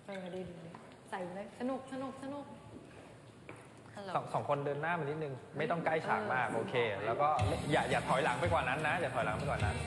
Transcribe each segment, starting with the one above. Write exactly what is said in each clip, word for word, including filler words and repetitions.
เออดีดีใส่เลยสนุกสนุกสนุกสองสองคนเดินหน้ามานิดนึงไม่ต้องใกล้ฉากมากโอเคแล้วก็อย่าอย่าถอยหลังไปกว่านั้นนะอย่าถอยหลังไปกว่านั้น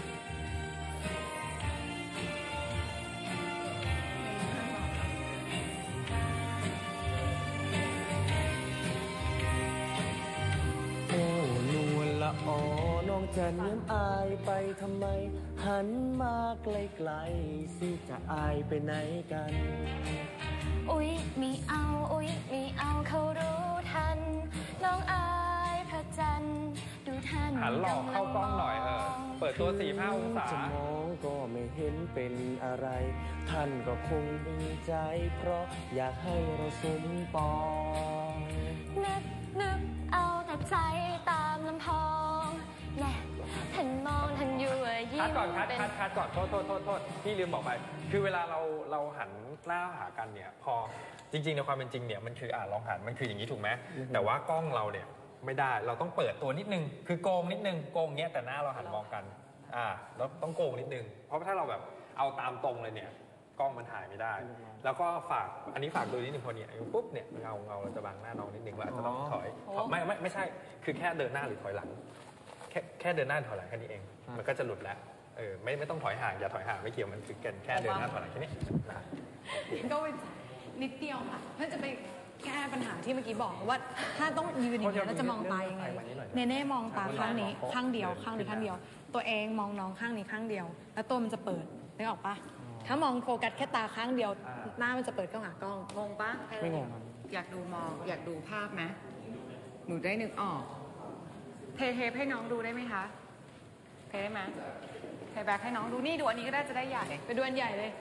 โอ้นวลละออน้องจะเนียมอายไปทำไมหันมาไกลๆสิจะอายไปไหนกันอุ๊ยมีเอาอุ๊ยมีเอาเขารู้ทันน้องอายพระจันทร์ดูท่านหันหลอกเข้ากล้องหน่อยเออเปิดตัวสี่ห้าองศาจะมองก็ไม่เห็นเป็นอะไรท่านก็คงมีใจเพราะอยากให้เราสมปองนึกนึกเอาแต่ใจตามลำพองแน่ท่านมองท่านอยู่ยิ้มคัดก่อนคัดคัดคัดก่อนโทษโทษโทษโทษพี่ลืมบอกไปคือเวลาเราเราหันหน้าหากันเนี่ยพอจริงๆในความเป็นจริงเนี่ยมันคืออ่าลองหันมันคืออย่างนี้ถูกไหมแต่ว่ากล้องเราเนี่ยไม่ได้เราต้องเปิดตัวนิดนึงคือโกงนิดนึงโกงเงี้ยแต่หน้าเราหันมองกันอ่าแล้วต้องโกงนิดนึงเพราะถ้าเราแบบเอาตามตรงเลยเนี่ยกล้องมันถ่ายไม่ได้แล้วก็ฝากอันนี้ฝากดูนิดนึงพอเนี่ยปุ๊บเนี่ยเงาเงาเราจะบังหน้าน้องนิดนึงว่าจะต้องถอยไม่ไม่ไม่ใช่คือแค่เดินหน้าหรือถอยหลังแค่แค่เดินหน้าถอยหลังแค่นี้เองมันก็จะหลุดแล้วเออไม่ไม่ต้องถอยห่างอย่าถอยห่างไม่เกี่ยวมันคือกันแค่เดินหน้าถอยหลังแค่นี้นะก็นิดเดียวค่ะเพื่อจะไปแก้ปัญหาที่เมื่อกี้บอกว่าถ้าต้องยืนอย่างนี้แล้วจะมองตายังไงเนเน่มองตาข้างนี้ข้างเดียวข้างนี้ข้างเดียวตัวเองมองน้องข้างนี้ข้างเดียวแล้วตัวมันจะเปิดนึกออกปะถ้ามองโฟกัสแค่ตาข้างเดียวหน้ามันจะเปิดเข้าหากล้องงงปะไม่งงอยากดูมองอยากดูภาพไหมหนูได้นึกออกเทเทปให้น้องดูได้ไหมคะเทได้ไหมเทแบ็คให้น้องดูนี่ดูอันนี้ก็ได้จะได้ใหญ่ไปดูอันใหญ่เลย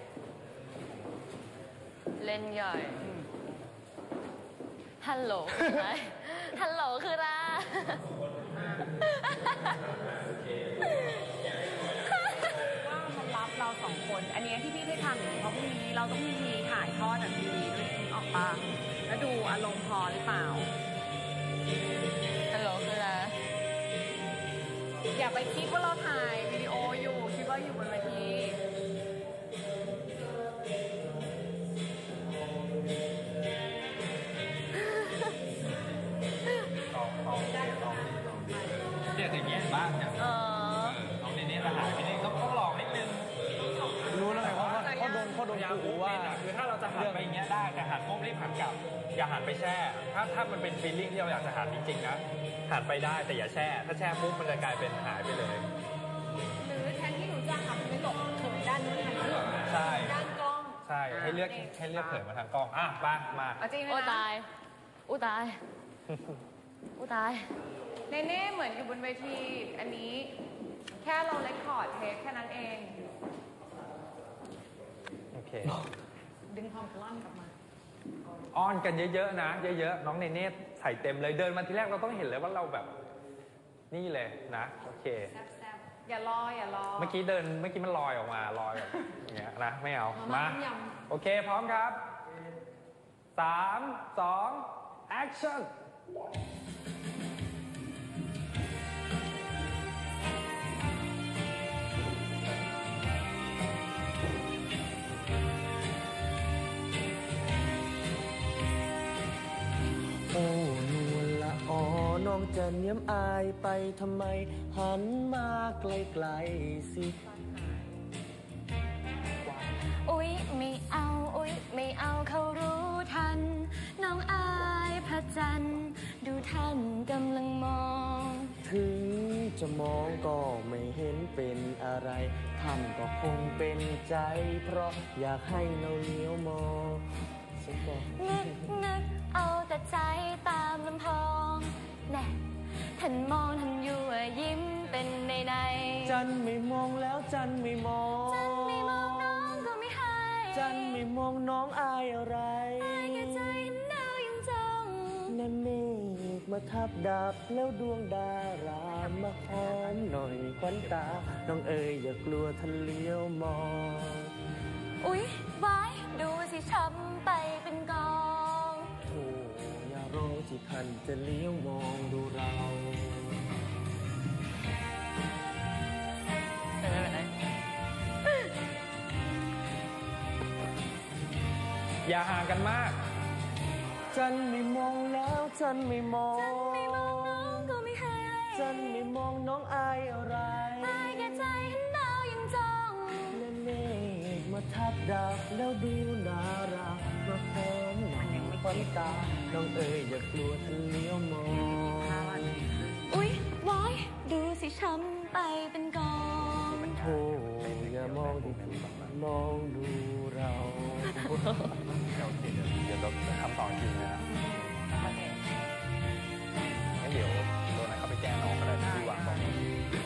เล่นใหญ่ฮัลโหลคืออะไรฮัลโหลคืออะไรว่ามันรับเราสองคนอันนี้ที่พี่ได้ทำอย่างนี้เพราะพรุ่งนี้เราต้องมีถ่ายทอดแบบทีวีด้วยออกปะแล้วดูอารมณ์พอหรือเปล่าฮัลโหลคืออะไรอย่าไปคิดว่าเราถ่ายวิดีโออยู่คิดว่าอยู่บนเวทีเนี่ยอย่างเงี้ยบ้างเนี่ยเออน้องนี่จะหายไปนิดต้องต้องลองนิดนึงรู้แล้วไงว่าเขาโดนเขาโดนขู่ว่าคือถ้าเราจะหันไปอย่างเงี้ยได้แต่หันปุ๊บรีบหันกลับอย่าหันไปแช่ถ้าถ้ามันเป็นฟีลลิ่งที่เราอยากจะหันจริงๆนะหันไปได้แต่อย่าแช่ถ้าแช่ปุ๊บมันจะกลายเป็นหายไปเลยหรือแทนที่หนูจะหันไปหลบเขินด้านนู้นหันไปหลบใช่ด้านกล้องใช่ให้เลือกให้เลือกเขินมาทางกล้องอ่ะมามาโอ้ตายอู้ตายอู้ตายเน่เน่เหมือนอยู่บนเวทีอันนี้แค่เราเรคคอร์ดเทปแค่นั้นเองโอเคดึงความกล้ามกลับมาอ้อนกันเยอะๆนะเยอะๆน้องเนเน่ใส่เต็มเลยเดินมาทีแรกเราต้องเห็นเลยว่าเราแบบนี่เลยนะโอเคอย่ารออย่ารอเมื่อกี้เดินเมื่อกี้มันลอยออกมาลอยแบบอย่างเงี้ยนะไม่เอามาโอเคพร้อมครับสามสองแอคชั่นโอ้นวลละออน้องจะเนียมอายไปทำไมหันมาไกลๆสิอุ๊ยไม่เอาอุ๊ยไม่เอาเขารู้ทันน้องอายพระจันทร์ดูท่านกำลังมองถึงจะมองก็ไม่เห็นเป็นอะไรท่านก็คงเป็นใจเพราะอยากให้เราเลี้ยวมองนึกนึกเอาแต่ใจตามลำพองแน่ท่านมองท่านอยู่ยิ้มเป็นในในจันไม่มองแล้วจันไม่มองจันไม่มองน้องก็ไม่ให้จันไม่มองน้องอายอะไรอายแค่ใจดาวยังจ้องนั่นเมฆมาทับดับแล้วดวงดารามาหอมหน่อยควันตาน้องเอ๋ยอย่ากลัวท่านเลี้ยวมองอุ๊ยไว้ดูสิช้ำไปเป็นกองโธ่อย่ารอสิท่านจะเลี้ยวมองดูเราเป็นไรเป็นไรอย่าห่างกันมากฉันไม่มองแล้วฉันไม่มองไม่มองน้องก็ไม่ให้ฉันไม่มองน้องอายอะไรอายแก่ใจเห็นดาวยังจ้องและเมฆมาทับดักแล้วดูน่ารักมาพร้อมหนังควันตาน้องเอ๋ยอย่ากลัวท่านเลี้ยวมองอุ๊ยวายดูสิช้ำไปเป็นกองโอ้อย่ามองดูมองดูเราโอเคเดี๋ยวเดี๋ยวเราจะทำต่อจริงนะครับงั้นเดี๋ยวโดนไหนเขาไปแก้น้องก็ได้ที่วางตรงนี้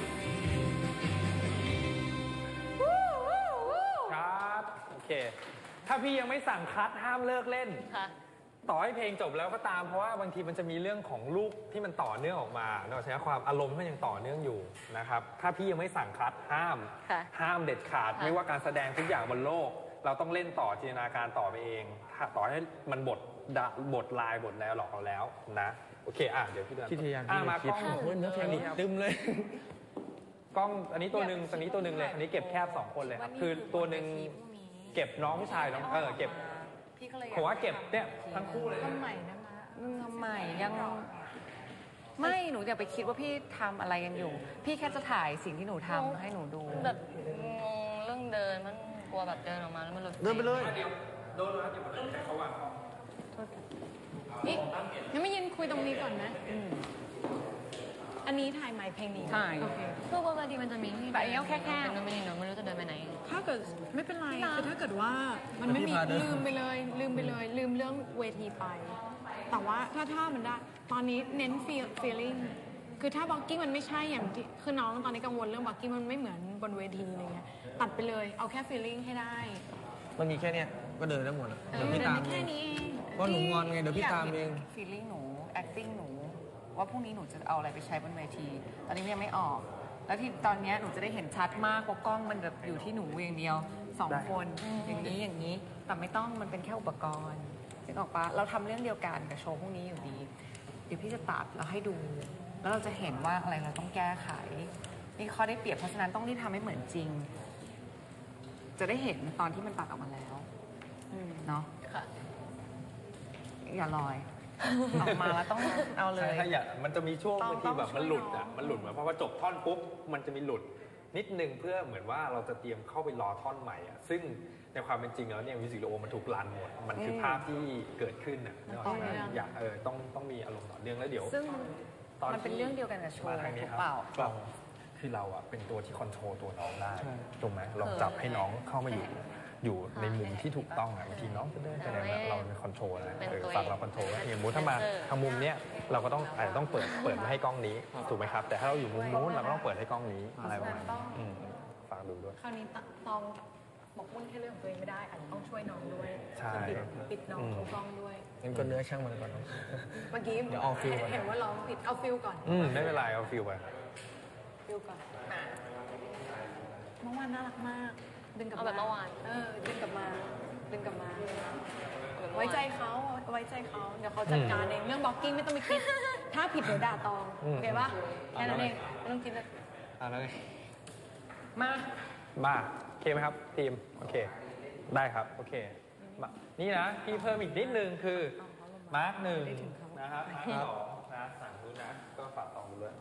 ครับโอเค ถ้าพี่ยังไม่สั่งคัดห้ามเลิกเล่นค่ะต่อให้เพลงจบแล้วก็ตามเพราะว่าบางทีมันจะมีเรื่องของลูกที่มันต่อเนื่องออกมาเนาะใช้ความอารมณ์ที่มันยังต่อเนื่องอยู่นะครับถ้าพี่ยังไม่สั่งคัดห้ามค่ะห้ามเด็ดขาดค่ะไม่ว่าการแสดงทุกอย่างบนโลก เราต้องเล่นต่อจินตนาการต่อไปเองถ้าต่อให้มันบทดะบทลายบทแล้วหลอกเราแล้วนะโอเคอ่ะเดี๋ยวพี่เดินที่พยายามอ่ะที่มาจะคิกดล้องโอ้ยเนื้อเพลงนี่ตึมเลยกล้องอันนี้ตัวหนึ่งอันนี้ตัวหนึ่งเลยอันนี้เก็บแคบสองคนเลยครับคือตัวหนึ่งเก็บน้องผู้ชายน้องเออเก็บพี่ก็เลยผมว่าเก็บเนี่ยทั้งคู่เลยต้นใหม่นะมะอืมทำไมยังไม่หนูอย่าไปคิดว่าพี่ทำอะไรกันอยู่ พี่แค่จะถ่ายสิ่งที่หนูทำให้หนูดูแบบงงเรื่องเดินมันกลัวแบบเดินออกมาแล้วมันหลุดเดินไปเลยโดนแล้วเดี๋ยวมันต้องใช้เขาวางนี่งั้นไม่ยืนคุยตรงนี้ก่อนนะอันนี้ถ่ายใหม่เพลงนี้ถ่ายโอเคพวกบางทีมันจะมีที่แต่อันนี้เอาแค่แค่เป็นไม่ดีเนาะไม่รู้จะเดินไปไหนถ้าเกิดไม่เป็นไรคือถ้าเกิดว่ามันไม่มีพี่พาเดินลืมไปเลย ลืมไปเลย ลืมเรื่องเวทีไป แต่ว่าถ้าถ้ามันได้ตอนนี้เน้น feel feeling คือถ้าบ็อกกิ้งมันไม่ใช่อย่างที่คือน้องตอนนี้กังวลเรื่องบ็อกกิ้งมันไม่เหมือนบนเวทีอะไรเงี้ยตัดไปเลยเอาแค่ feeling ให้ได้มันมีแค่เนี้ยก็เดินได้หมดอะเอเดี๋ยวอพี่เดินตามได้เอแค่งนี้เองเพราะหนูงอนไงเดี๋ยวพี่ตามเองฟีลลิ่งหนู acting หนู ว่าพรุ่งนี้หนูจะเอาอะไรไปใช้บนเวที ตอนนี้ยังไม่ออก แล้วที่ตอนเนี้ยหนูจะได้เห็นชัดมากเพราะกล้องมันแบบอยู่ที่หนูอย่างเดียวสองคนอย่างนี้อย่างนี้ แต่ไม่ต้องมันเป็นแค่อุปกรณ์นึกออกปะเราทำเรื่องเดียวกันกับโชว์พรุ่งนี้อยู่ดี เดี๋ยวพี่จะตัดแล้วให้ดู แล้วเราจะเห็นว่าอะไรเราต้องแก้ไขนี่ข้อได้เปรียบเพราะฉะนั้นต้องรีบทำให้เหมือนจริง จะได้เห็นตอนที่มันตัดออกมาแล้วเนาะค่ะอย่าลอย ออกมาแล้วต้องเอาเลใช่ยถ้าอย่ามันจะมีช่วงต้องบางทีแบบต้องช่วยมันหลุดอ่ะน้องมันหลุดเหมือนเพราะว่าจบท่อนปุ๊บมันจะมีหลุดนิดนึงเพื่อเหมือนว่าเราจะเตรียมเข้าไปรอท่อนใหม่อ่ะซึ่งในความเป็นจริงแล้วเนี่ยมิวสิกวิดีโอมันถูกรันหมดมันคือภาพที่เกิดขึ้นอ่ะนึกออกไหมอยากเออต้องต้องมีอารมณ์ต่อเนื่องแล้วเดี๋ยวซึ่งตอนมันเป็นที่เรื่องเดียวกันกับโชว์มาทางนี้ถูกครับเปล่าเราคือเราอ่ะเป็นตัวที่คอนโทรลตัวน้องได้ใช่ถูกไหมเราจับให้น้องเข้ามาอยู่อยู่ในมุมที่ถูกต้องอ่ะบางทีน้องจะเดินไปไหนแบบเราเป็นคอนโทรลนะเออฝั่งเราคอนโทรลอย่างสมมติถ้ามาทางมุมเนี้ยเราก็ต้องอาจจะต้องเปิดเปิดมาให้กล้องนี้ถูกไหมครับแต่ถ้าเราอยู่มุมนู้นเราก็ต้องเปิดให้กล้องนี้อะไรประมาณนี้อืมฝากดูด้วยคราวนี้ตตองบอกมุ่นแค่เรื่องของตัวเองไม่ได้อาจจะต้องช่วยน้องด้วยใช่ปิดปิดน้องทุกกล้องด้วยงั้นก็เนื้อช่างมันก่อนเนอะเมื่อกี้เดี๋ยวเอาฟิลก่อนเห็นว่าร้องผิดเอาฟิลก่อนอืมไม่เป็นไรเอาฟิลไปฟิลก่อนเมื่อวานน่ารักมาก ดึงกลับเอามาแบบเมื่อวานเออดึงกลับมาดึงกลับมา ไว้ใจเขาไว้ใจเขาเดี๋ยวเขาจัดการเองเรื่องบล็อกกิ้งไม่ต้องไปคิด ถ้าผิดเดี๋ยวด่าตองโอเคปะแค่นั้นเองไม่ต้องคิดเลยอ่ะแล้วไงมามาโอเคไหมครับทีมโอเค ได้ครับโอเคมานี่นะพี่เพิ่มอีกนิดนึงคือมาร์กหนึ่งนะครับมาร์กสองนะสั่งดูนะก็ฝากสองดูด้วย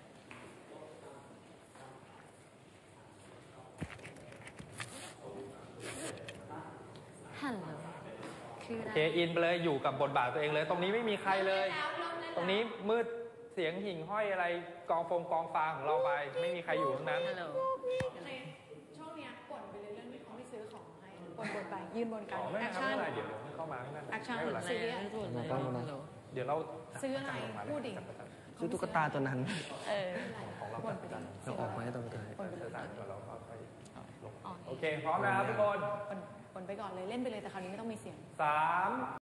ฮัลโหลคือโออะไรเคอินไปเลยอยู่กับบทบาทตัวเองเลย ตรงนี้ไม่มีใครเลย ตรงนี้มืดเสียงหิ่งห้อยอะไรกองฟงกองฟางของเราไป ไม่มีใครอยู่ทั้งนั้นฮัลโหลช่วงเนี้ยบ่นไปเลยเรื่องที่เขาไม่ซื้อของให้บ่นบ่นไปยืนบนกันอ๋อไม่แอคครับชั่ไม่นเป็นไรเดี๋ยวเดี๋ยวให้เข้ามาข้างหน้าแอคชั่นไม่เป็นไรซีเรียสมาต้องมานะเดี๋ยวเราซื้ออะไรพูดดิซื้อตุ๊กตาตัวนั้นเออของเราบ่นไปดิเราออกมาให้ตัวท้ายบ่นไปเลยต่างๆเราก็ค่อยลงโอเคพร้อมนะครับทุกคนบ่นบ่นไปก่อนเลยเล่นไปเลยแต่คราวนี้ไม่ต้องมีเสียงสาม